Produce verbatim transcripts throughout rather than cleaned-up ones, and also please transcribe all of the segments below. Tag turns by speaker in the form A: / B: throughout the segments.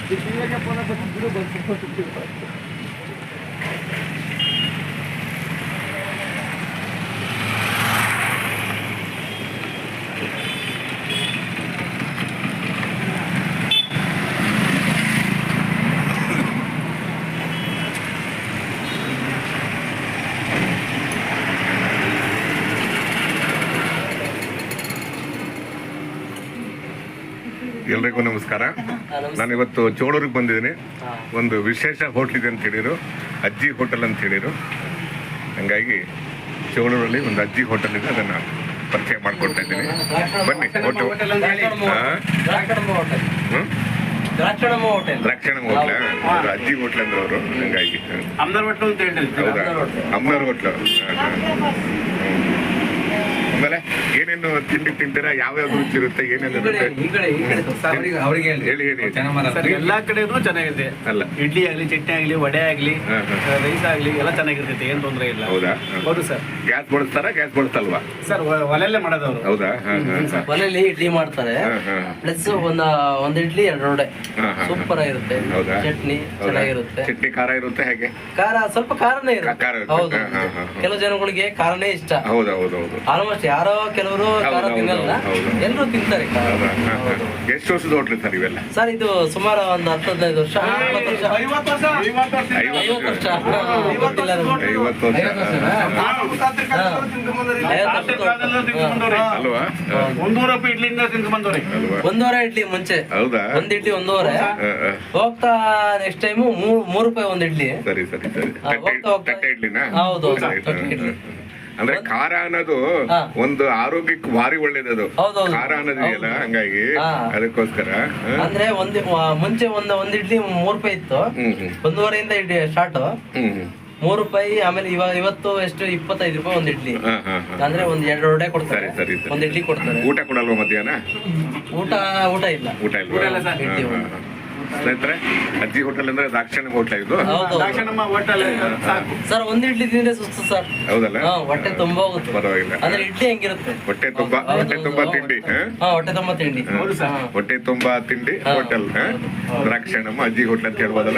A: ಎಲ್ರಿಗೂ ನಮಸ್ಕಾರ. ನಾನಿವತ್ತು ಚೋಳೂರಿಗೆ ಬಂದಿದ್ದೀನಿ. ಒಂದು ವಿಶೇಷ ಹೋಟ್ಲ್ ಇದೆ ಅಂತ ಹೇಳಿರು, ಅಜ್ಜಿ ಹೋಟೆಲ್ ಅಂತ ಹೇಳಿರು. ಹಂಗಾಗಿ ಚೋಳೂರಲ್ಲಿ ಒಂದು ಅಜ್ಜಿ ಹೋಟೆಲ್ ಇದೆ, ಅದನ್ನು ಪರಿಚಯ ಮಾಡ್ಕೊಡ್ತಾ ಇದ್ದೀನಿ. ಬನ್ನಿ. ಹೋಟೆಲ್ ದ್ರಾಕ್ಷಣಮ್ಮ ಹೋಟ್ಲ, ಅಜ್ಜಿ ಹೋಟ್ಲ್ ಅಂದ್ರೆ ಅವರು. ಹಂಗಾಗಿ ಹೌದಾ, ಅಮ್ಮನವ್ರ ಹೋಟ್ಲು. ಆಮೇಲೆ ಏನೇನು ತಿಂಡಿ ತಿಂತೀರಾ, ಯಾವ್ಯಾವ ರುಚಿ ಇರುತ್ತೆ, ಏನೇನು ಹೇಳಿ ಹೇಳಿ.
B: ಎಲ್ಲಾ ಕಡೆನೂ ಚೆನ್ನಾಗಿದೆ. ಅಲ್ಲ, ಇಡ್ಲಿ ಆಗ್ಲಿ, ಚಟ್ನಿ ಆಗ್ಲಿ, ವಡೆ ಆಗ್ಲಿ, ರೈಸ್ ಆಗ್ಲಿ, ಎಲ್ಲ ಚೆನ್ನಾಗಿರ್ತೈತೆ, ಏನ್ ತೊಂದರೆ ಇಲ್ಲ.
A: ಹೌದಾ?
B: ಹೌದು ಸರ್.
A: ಗ್ಯಾಸ್ ಬಳಸ್ತಾರ, ಗ್ಯಾಸ್ ಬಳಸ್ತಲ್ವಾ
B: ಸರ್? ಒಲೆಯಲ್ಲೇ ಮಾಡೋದವ್ರು.
A: ಹೌದಾ?
C: ಒಲೆಯಲ್ಲಿ ಇಡ್ಲಿ ಮಾಡ್ತಾರೆ, ಪ್ಲಸ್ ಒಂದ ಒಂದ್ ಇಡ್ಲಿ ಎರಡು ವಡೆ ಸೂಪರ್ ಆಗಿರುತ್ತೆ. ಚಟ್ನಿ ಚೆನ್ನಾಗಿರುತ್ತೆ.
A: ಚಟ್ನಿ ಖಾರ ಇರುತ್ತೆ, ಹೇಗೆ?
C: ಖಾರ ಸ್ವಲ್ಪ ಖಾರನೇ ಇರುತ್ತೆ. ಹೌದು, ಕೆಲವು ಜನಗಳಿಗೆ ಖಾರನೇ ಇಷ್ಟ.
A: ಹೌದು ಹೌದು ಹೌದು.
C: ಆಲ್ಮೋಸ್ಟ್ ಯಾರೋ ಕೆಲವರು ಖಾರ ತಿನ್ನಲ್ಲ, ಎಲ್ಲರೂ ತಿಂತಾರೆ.
A: ಎಷ್ಟು ವರ್ಷದ ಹೋಟ್ಲು ಸರ್ ಇವೆಲ್ಲ?
C: ಸರ್ ಇದು ಸುಮಾರು ಒಂದು ಹತ್ತು ಹದಿನೈದು ವರ್ಷ, ಐವತ್ತು ವರ್ಷ ಐವತ್ತು ವರ್ಷ
A: ಐವತ್ತು ವರ್ಷ ಅಲ್ವಾ?
B: ಒಂದೂವರೆ ರೂಪಾಯಿ ಇಡ್ಲಿಯಿಂದ ತಿಂದು ಬಂದವ್ರೆ.
C: ಒಂದೂವರೆ ಇಡ್ಲಿ ಮುಂಚೆ.
A: ಹೌದಾ?
C: ಒಂದ್ ಇಡ್ಲಿ ಒಂದೂವರೆ, ಹೋಗ್ತಾ ನೆಕ್ಸ್ಟ್ ಟೈಮ್ ಮೂರು ರೂಪಾಯಿ ಒಂದ್ ಇಡ್ಲಿ.
A: ಸರಿ ಸರಿ ಸರಿ. ತಟ್ಟೆ ಇಡ್ಲಿನಾ?
C: ಹೌದು.
A: ಅಂದ್ರೆ ಖಾರ ಅನ್ನೋದು ಒಂದು ಆರೋಗ್ಯಕ್ಕೆ ಭಾರಿ ಒಳ್ಳೇದದು. ಖಾರ ಅನ್ನೋದಿದೆಯಲ್ಲ, ಹಂಗಾಗಿ ಅದಕ್ಕೋಸ್ಕರ.
C: ಅಂದ್ರೆ ಒಂದ್ ಮುಂಚೆ ಒಂದ್ ಒಂದ್ ಇಡ್ಲಿ ಮೂರ್ ರೂಪಾಯಿ ಇತ್ತು, ಒಂದೂವರೆಯಿಂದ ಇಡ್ಲಿ ಸ್ಟಾರ್ಟ್, ಮೂರು ರೂಪಾಯಿ. ಆಮೇಲೆ ಇವಾಗ ಇವತ್ತು ಎಷ್ಟು ಇಪ್ಪತ್ತೈದು ರೂಪಾಯಿ ಒಂದ್ ಇಡ್ಲಿ. ಅಂದ್ರೆ ಒಂದ್ ಎರಡು ವಡೆ ಕೊಡ್ತಾರೆ, ಒಂದ್ ಇಡ್ಲಿ ಕೊಡ್ತಾರೆ.
A: ಊಟ ಕೊಡಲ್ವಾ ಮಧ್ಯಾಹ್ನ?
C: ಊಟ ಊಟ ಇಲ್ಲ.
A: ಊಟ ಇಲ್ವಾ? ಸ್ನೇಹಿತರೆ, ಅಜ್ಜಿ ಹೋಟೆಲ್ ಅಂದ್ರೆ ದಾಕ್ಷಿಣ ಹೋಟ್ಲ ಇದು.
C: ಸರ್ ಒಂದ್ ಇಡ್ಲಿ ತಿಂದ್ರೆ ಸುಸ್ತು ಸರ್.
A: ಹೌದಲ್ಲ?
C: ಹೊಟ್ಟೆ ತುಂಬಾ ಹೋಗುತ್ತೆ.
A: ಪರವಾಗಿಲ್ಲ.
C: ಅಂದ್ರೆ ಇಡ್ಲಿ ಹೆಂಗಿರುತ್ತೆ?
A: ಹೊಟ್ಟೆ ತುಂಬಾ ಹೊಟ್ಟೆ ತುಂಬಾ ತಿಂಡಿ.
C: ಹೊಟ್ಟೆ ತುಂಬಾ ತಿಂಡಿ.
A: ಹೊಟ್ಟೆ ತುಂಬಾ ತಿಂಡಿ ಹೋಟೆಲ್ ದ್ರಾಕ್ಷಣಮ್ಮ ಅಜ್ಜಿ ಹೋಟ್ಲ್ ಅಂತ ಹೇಳ್ಬೋದಲ್ಲ?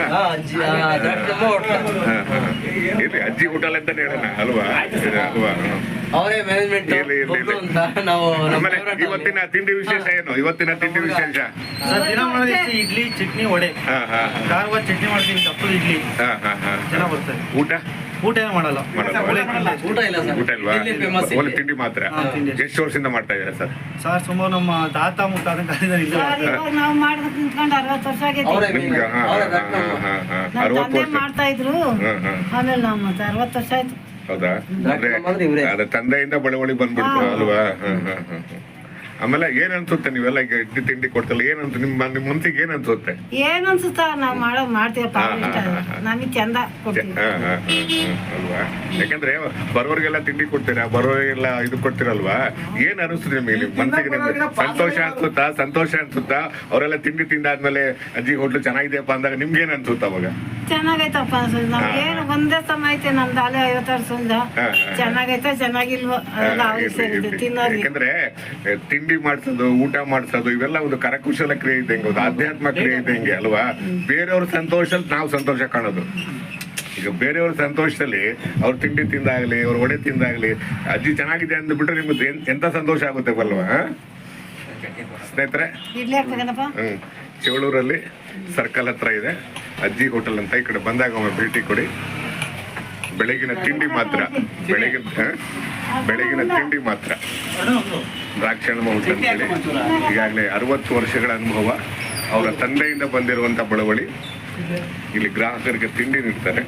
A: ಇಲ್ಲಿ ಅಜ್ಜಿ ಹೋಟೆಲ್ ಅಂತಾನೆ ಹೇಳೋಣ ಅಲ್ವಾ? ಅಲ್ವಾ?
C: ಅವರೇ ಮ್ಯಾನೇಜ್ಮೆಂಟ್ ಅಂತ ನಾವು.
A: ಇವತ್ತಿನ ತಿಂಡಿ ವಿಶೇಷ ಏನು? ಇವತ್ತಿನ ತಿಂಡಿ ವಿಶೇಷ
B: ಇಡ್ಲಿ, ಚಟ್ನಿ, ವಡೆ. ಖಾರವಾದ ಚಟ್ನಿ ಮಾಡ್ತೀನಿ, ದಪ್ಪದ ಇಡ್ಲಿ ಚೆನ್ನಾಗಿ ಬರ್ತದೆ.
A: ಊಟ
B: ಊಟ ಏನು ಮಾಡಲ್ಲ.
C: ಊಟ ಇಲ್ಲ ಸರ್.
A: ಊಟ ಇಲ್ವಾ? ಒಳ್ಳೆ ತಿಂಡಿ ಮಾತ್ರ. ಎಷ್ಟು ವರ್ಷದಿಂದ ಮಾಡ್ತಾ ಇದ್ದೀರಾ ಸರ್?
B: ಸರ್ ಸುಮಾರು ನಮ್ಮ ತಾತ ಮುತ್ತಾತ
D: ಮಾಡ್ತಾ ಇದ್ರು. ಆಮೇಲೆ ನಮ್ಮ ಅರವತ್ತು ವರ್ಷ ಆಯ್ತು.
A: ಹೌದಾ? ಅದ ತಂದೆಯಿಂದ ಬಳುವಳಿ ಬಂದ್ಬಿಡ್ತು ಅಲ್ವಾ? ಆಮೇಲೆ ಏನ್ ಅನ್ಸುತ್ತೆ ನೀವೆಲ್ಲ ಈಗ ಇಡ್ಲಿ ತಿಂಡಿ ಕೊಡ್ತಲ್ಲ, ಏನಂತ ನಿಮ್ಮ ನಿಮ್ ಮನ್ಸಿಗೆ ಏನ್ ಅನ್ಸುತ್ತೆ?
D: ಏನ್ ಅನ್ಸುತ್ತ ನಾವ್ ಮಾಡೋ ಮಾಡ್ತೀವಪ್ಪ, ನಮಗ್ ಚಂದ
A: ಅಲ್ವಾ? ಯಾಕಂದ್ರೆ ಬರೋರ್ಗೆಲ್ಲ ತಿಂಡಿ ಕೊಡ್ತೀರಾ, ಬರೋರಿಗೆಲ್ಲ ಇದು ಕೊಡ್ತೀರಲ್ವಾ? ಏನ್ ಅನಿಸ್ತದೆ ನಿಮಗೆ? ನಿಮ್ ಮನ್ಸಿಗೆ ನಿಮ್ಗೆ ಸಂತೋಷ ಅನ್ಸುತ್ತಾ? ಸಂತೋಷ ಅನ್ಸುತ್ತಾ? ಅವರೆಲ್ಲ ತಿಂಡಿ ತಿಂದಾದ್ಮೇಲೆ ಅಜ್ಜಿ ಹೋಟ್ಲು ಚೆನ್ನಾಗಿದೆಯಪ್ಪ ಅಂದಾಗ ನಿಮ್ಗೆ ಏನ್ ಅನ್ಸುತ್ತ ಅವಾಗ?
D: ಚೆನ್ನಾಗೈತಪ್ಪ ಅನ್ಸುತ್ತೆ. ನಮ್ಗೆ ಏನು ಒಂದೇ ಸಮ ಐತೆ ನಮ್ದು ಅಲೆ ಐವತ್ತು ವರ್ಷದಿಂದ. ಚೆನ್ನಾಗೈತೆ ಚೆನ್ನಾಗಿಲ್ವೋ ತಿನ್ನೋದು.
A: ಯಾಕಂದ್ರೆ ತಿಂಡಿ ಮಾಡ್ಸೋದು, ಊಟ ಮಾಡ್ಸೋದು ಇವೆಲ್ಲ ಒಂದು ಕರಕುಶಲ ಕ್ರಿಯೆ ಇದ್ದಂಗೆ, ಒಂದು ಆಧ್ಯಾತ್ಮ ಕ್ರಿಯೆ ಇದ್ದಂಗೆ ಅಲ್ವಾ? ಬೇರೆಯವ್ರ ಸಂತೋಷದಲ್ಲಿ ನಾವು ಸಂತೋಷ ಕಾಣೋದು. ಈಗ ಬೇರೆಯವ್ರ ಸಂತೋಷದಲ್ಲಿ ಅವ್ರ ತಿಂಡಿ ತಿಂದಾಗ್ಲಿ, ಅವ್ರ ಒಡೆ ತಿಂದಾಗ್ಲಿ, ಅಜ್ಜಿ ಚೆನ್ನಾಗಿದೆ ಅಂದ್ಬಿಟ್ರೆ ನಿಮ್ಗೆ ಎಂತ ಸಂತೋಷ ಆಗುತ್ತೆ ಬಲ್ವಾ ಸ್ನೇಹಿತರೆ? ಹ್ಮ್ ಚೇಳೂರಲ್ಲಿ ಸರ್ಕಲ್ ಹತ್ರ ಇದೆ ಅಜ್ಜಿ ಹೋಟೆಲ್ ಅಂತ. ಈ ಕಡೆ ಬಂದಾಗ ಒಮ್ಮೆ ಭೇಟಿ ಕೊಡಿ. ಬೆಳಗಿನ ತಿಂಡಿ ಮಾತ್ರ, ಬೆಳಗಿನ ಬೆಳಗಿನ ತಿಂಡಿ ಮಾತ್ರ. ದ್ರಾಕ್ಷಣಮ್ಮ ಹೋಟೆಲ್ ಅಂತೇಳಿ ಈಗಾಗಲೇ ಅರವತ್ತು ವರ್ಷಗಳ ಅನುಭವ, ಅವರ ತಂದೆಯಿಂದ ಬಂದಿರುವಂತ ಬಳವಳಿ. ಇಲ್ಲಿ ಗ್ರಾಹಕರಿಗೆ ತಿಂಡಿ ನೀಡ್ತಾರೆ.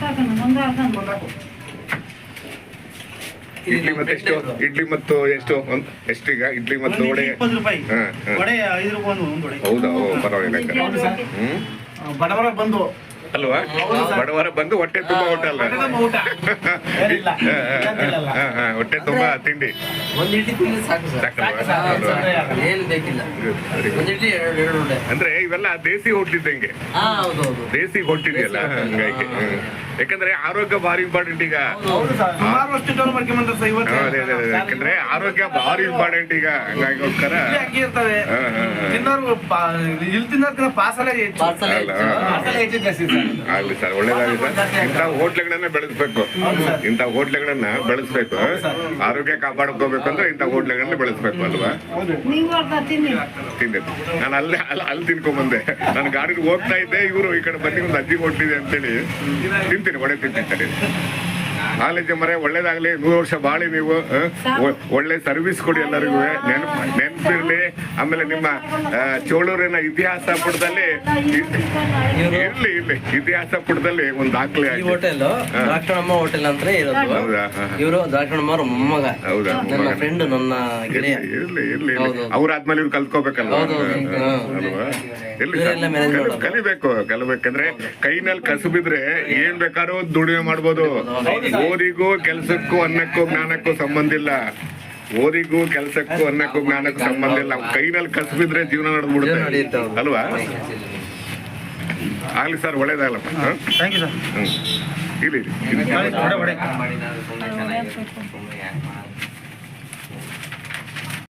A: ಇಡ್ಲಿ ಮತ್ತೆ ಎಷ್ಟು? ಇಡ್ಲಿ ಮತ್ತು ಎಷ್ಟು ಎಷ್ಟೀಗ ಇಡ್ಲಿ ಮತ್ತು ವಡೆ?
B: ಹೌದಾ?
A: ಪರವಾಗಿಲ್ಲ.
B: ಹ್ಮ್ ಬಡವರ ಬಂದು
A: ಅಲ್ವಾ? ಬಡವರ ಬಂದು ಹೊಟ್ಟೆ ತುಂಬಾ ಊಟ ಅಲ್ಲ.
B: ಊಟ ಏನಿಲ್ಲ, ಇಲ್ಲಂತಿಲ್ಲಲ್ಲ.
A: ಹಾ, ಹಾ, ಹೊಟ್ಟೆ ತುಂಬಾ ತಿಂಡಿ.
C: ಒಂದ್ ಇಡ್ಲಿ ತಿಂದ್ರೆ ಸಾಕು ಸರ್.
A: ಸಾಕಲ್ವಾ?
B: ಸಾಕು,
A: ಅಲ್ವಾ?
B: ಸಾಕು.
C: ಏನ್ ಬೇಕಿಲ್ಲ.
A: Good, very good.
C: ಒಂದ್ ಇಡ್ಲಿ ಎರಡು ಎರಡು ಉಂಡೆ.
A: ಅಂದ್ರೆ ಇವೆಲ್ಲ ದೇಸಿ ಹೋಟ್ಲಿದ್ದಂಗೆ,
C: ಹಾ ಹೌದು ಹೌದು.
A: ದೇಸಿ ಹೋಟ್ಲಿದೆಯಲ್ಲ ಹಂಗಾಗಿ. ಹ್ಮ್. ಯಾಕಂದ್ರೆ ಆರೋಗ್ಯ ಭಾರಿ ಇಂಪಾರ್ಟೆಂಟ್ ಈಗ.
B: ಹೌದು ಸರ್, ಸುಮಾರು ವರ್ಷ ಡೆವಲಪ್ ಮಾಡ್ಕೊಂಡ್ಬಂದ್ರೆ ಸರ್ ಇವತ್ತು
A: ಹಾ, ಅದೇ, ಅದೇ, ಅದೇ. ಯಾಕಂದ್ರೆ ಆರೋಗ್ಯ ಭಾರಿ ಇಂಪಾರ್ಟೆಂಟ್ ಈಗ ಹಂಗಾಗಿಗೋಸ್ಕರ.
B: ಇಡ್ಲಿ ಅಕ್ಕಿ ಇರ್ತವೆ,
A: ಹಾ, ಹಾ, ಹಾ.
B: ತಿನ್ನೋರು ಪಾ- ಇಲ್ಲಿ ತಿನ್ನೋರ್ಕಿಂತ ಪಾರ್ಸಲೇ ಹೆಚ್ಚು.
C: ಪಾರ್ಸಲ್
A: ಅಲ್ಲ,
C: ಹೆಚ್ಚು.
A: ಹಾ.
B: ಪಾರ್ಸಲೇ ಹೆಚ್ಚು ಜಾಸ್ತಿ ಸರ್.
A: ಆಗ್ಲಿ ಸರ್, ಒಳ್ಳೇದಾಗಲಿ ಸರ್. ಇಂಥ ಹೋಟ್ಲುಗಳನ್ನ ಬೆಳೆಸ್ಬೇಕು, ಇಂಥ ಹೋಟ್ಲುಗಳನ್ನ ಬೆಳೆಸ್ಬೇಕು. ಆರೋಗ್ಯ ಕಾಪಾಡ್ಕೋಬೇಕು ಅಂದ್ರೆ ಇಂಥ ಹೋಟ್ಲುಗಳನ್ನ ಬೆಳೆಸ್ಬೇಕು ಅಲ್ವಾ?
D: ನೀವು ಅರ್ಧ ತಿನ್ನಿ.
A: ತಿಂದಿದ್ದು ನಾನು ಅಲ್ಲೇ ಅಲ್ಲಿ ಅಲ್ಲಿ ತಿನ್ಕೊಂಡ್ ಬಂದೆ. ನಾನು ಗಾಡಿಗೆ ಹೋಗ್ತಾ ಇದ್ದೆ, ಇವರು ಈ ಕಡೆ ಬಂದು ಒಂದು ಅಜ್ಜಿ ಹೋಟ್ಲಿದೆ ಅಂತೇಳಿ ತಿಂತೀನಿ, ಒಳ್ಳೆ ತಿಂತೀನಿ. ಕಾಲೇಜ್ ಮರೆ ಒಳ್ಳೇದಾಗ್ಲಿ, ನೂರು ವರ್ಷ ಬಾಳಿ ನೀವು. ಆ? ಒ- ಒಳ್ಳೆ ಸರ್ವಿಸ್ ಕೊಡಿ ಎಲ್ಲರಿಗೂ. ನೆನಪು ನೆನಪಿರ್ಲಿ. ಆಮೇಲೆ ನಿಮ್ಮ ಆ, ಚೋಳೂರಿನ ಇತಿಹಾಸ ಪುಟದಲ್ಲಿ ಇರ್ಲಿ ಇರ್ಲಿ ಇತಿಹಾಸ ಪುಟದಲ್ಲಿ ಒಂದು ದಾಖಲೆ
C: ಈ
A: ಆಗಿ.
C: ಹೋಟೆಲ್ ದ್ರಾಕ್ಷಣಮ್ಮ ಹೋಟೆಲ್ ಅಂತ ಇರೋದು.
A: ಹೌದಾ? ಹಾ, ಹಾ.
C: ಇವರು ದ್ರಾಕ್ಷಣಮ್ಮ ಅವ್ರ ಮೊಮ್ಮಗ,
A: ಹೌದಾ?
C: ನನ್ನ ಫ್ರೆಂಡ್, ನನ್ನ ಗೆಳೆಯ.
A: ಇರ್ಲಿ ಇರ್ಲಿ
C: ಹೌದು.
A: ಅವ್ರಾದ್ಮೇಲೆ ಇವ್ರು ಕಲ್ತ್ಕೋಬೇಕಲ್ಲ
C: ಹೌದು, ಹೌದು. ಹಾ.
A: ಅಲ್ವಾ? ಇರ್ಲಿ
C: ಇವರೆಲ್ಲ
A: ಸರ್,
C: manage
A: ಕಲಿ-
C: ಮಾಡೋದು.
A: ಕಲಿಬೇಕು ಕಲಿಬೇಕಂದ್ರೆ ಕೈನಲ್ಲಿ ಕಸುಬಿದ್ರೆ ಏನ್ ಬೇಕಾದ್ರೂ ದುಡಿಮೆ ಮಾಡ್ಬೋದು. ಓದಿಗೂ ಕೆಲ್ಸಕ್ಕೂ ಅನ್ನಕ್ಕೂ ಜ್ಞಾನಕ್ಕೂ ಸಂಬಂಧ ಇಲ್ಲ. ಓದಿಗೂ ಕೆಲ್ಸಕ್ಕೂ ಅನ್ನಕ್ಕೂ ಜ್ಞಾನಕ್ಕೂ ಸಂಬಂಧ ಇಲ್ಲ. ಕೈನಲ್ಲಿ ಕಸುಬಿದ್ರೆ ಜೀವನ
C: ಜೀವನ
A: ನಡೆದ್ಬಿಡುತ್ತೆ
C: ನಡೆಯುತ್ತೆ, ಹೌದು.
A: ಅಲ್ವಾ? ಆಗ್ಲಿ ಸರ್, ಒಳ್ಳೇದಾಗಲ್ಲಪ್ಪ. ಹ?
B: Thank you sir.
A: ಹ್ಮ್. ಇರ್ಲಿ ಇರ್ಲಿ.
B: ಒಡೆ ಒಡೆ
C: ಮಾಡಿ ನಾನು ಸುಮ್ಮನೆ ಚೆನ್ನಾಗಿರುತ್ತೆ. ಸುಮ್ನೆ ಯಾಕೆ ಮಾಡೋದು?